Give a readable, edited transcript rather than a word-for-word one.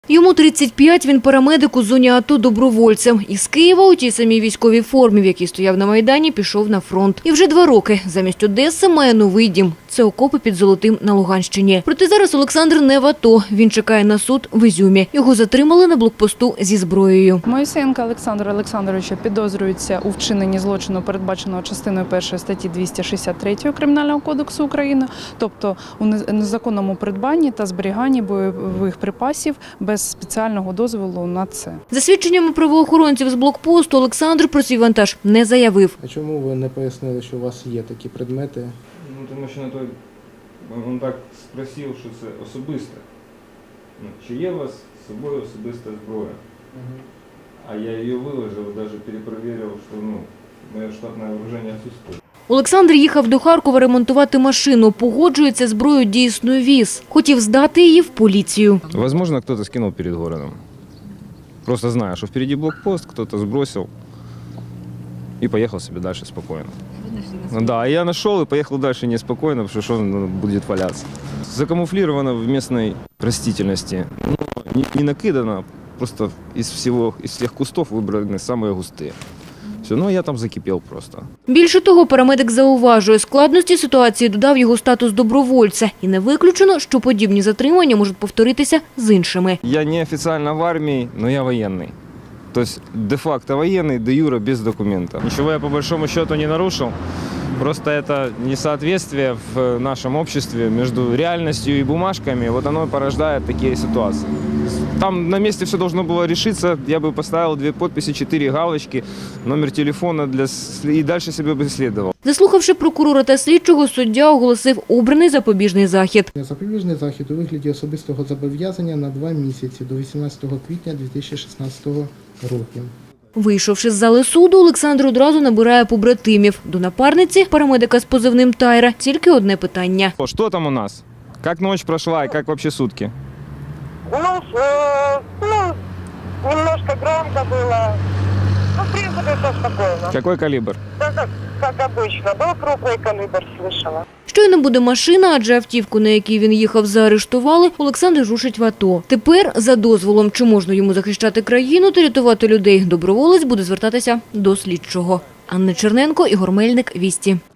Йому 35, він парамедик у зоні АТО добровольцем. Із Києва у тій самій військовій формі, в якій стояв на Майдані, пішов на фронт. І вже 2 роки замість Одеси має новий дім. Це окопи під Золотим на Луганщині. Проте зараз Олександр не в АТО. Він чекає на суд в Ізюмі. Його затримали на блокпосту зі зброєю. Моїсеєнка Олександра Олександровича підозрюється у вчиненні злочину, передбаченого частиною 1 статті 263 Кримінального кодексу України, тобто у незаконному придбанні та зберіганні бойових припасів без спеціального дозволу на це. За свідченнями правоохоронців з блокпосту, Олександр про свій вантаж не заявив. А чому ви не пояснили, що у вас є такі предмети? Ну, тому що на той, він так спросив, що це особисте. Ну, чи є у вас з собою особиста зброя? А я її виложив, навіть перепровірив, що моє штатне вооруження відсутствує. Олександр їхав до Харкова ремонтувати машину. Погоджується, зброю дійсно віз. Хотів здати її в поліцію. Возможно, хтось скинув перед городом. Просто знаю, що впереді блокпост, хтось збросив і поїхав собі далі спокійно. Да, я нашел и поехал дальше неспокойно, потому что он будет валяться. Закамуфлировано в местной растительности, не накидано, просто из всех кустов выбраны самые густые. Все, ну я там закипел просто. Більше того, парамедик зауважує, складності ситуації додав його статус добровольця. І не виключено, що подібні затримання можуть повторитися з іншими. Я не официально в армии, но я военный. То есть де-факто военный, де-юре без документов. Ничего я по большому счету не нарушил. Просто это несоответствие в нашем обществе между реальностью и бумажками, вот оно порождает такие ситуации. Там на месте все должно было решиться, я бы поставил 2 подписи, 4 галочки, номер телефона и дальше себе бы следовал. Заслухавши прокурора та слідчого, суддя оголосив обраний запобіжний захід. Запобіжний захід у вигляді особистого зобов'язання на 2 місяці до 18 квітня 2016 року. Вийшовши з зали суду, Олександр одразу набирає побратимів. До напарниці, парамедика з позивним Тайра, тільки одне питання. Что там у нас? Как ночь прошла и как вообще сутки? Немножко громко было. Ну, в принципе, все спокойно. Какой калибр? Да, как обычно. Был крупный калибр, слышала. Щойно буде машина, адже автівку, на якій він їхав, заарештували, Олександр рушить в АТО. Тепер, за дозволом, чи можна йому захищати країну та рятувати людей, доброволець буде звертатися до слідчого. Анна Черненко, Ігор Мельник, Вісті.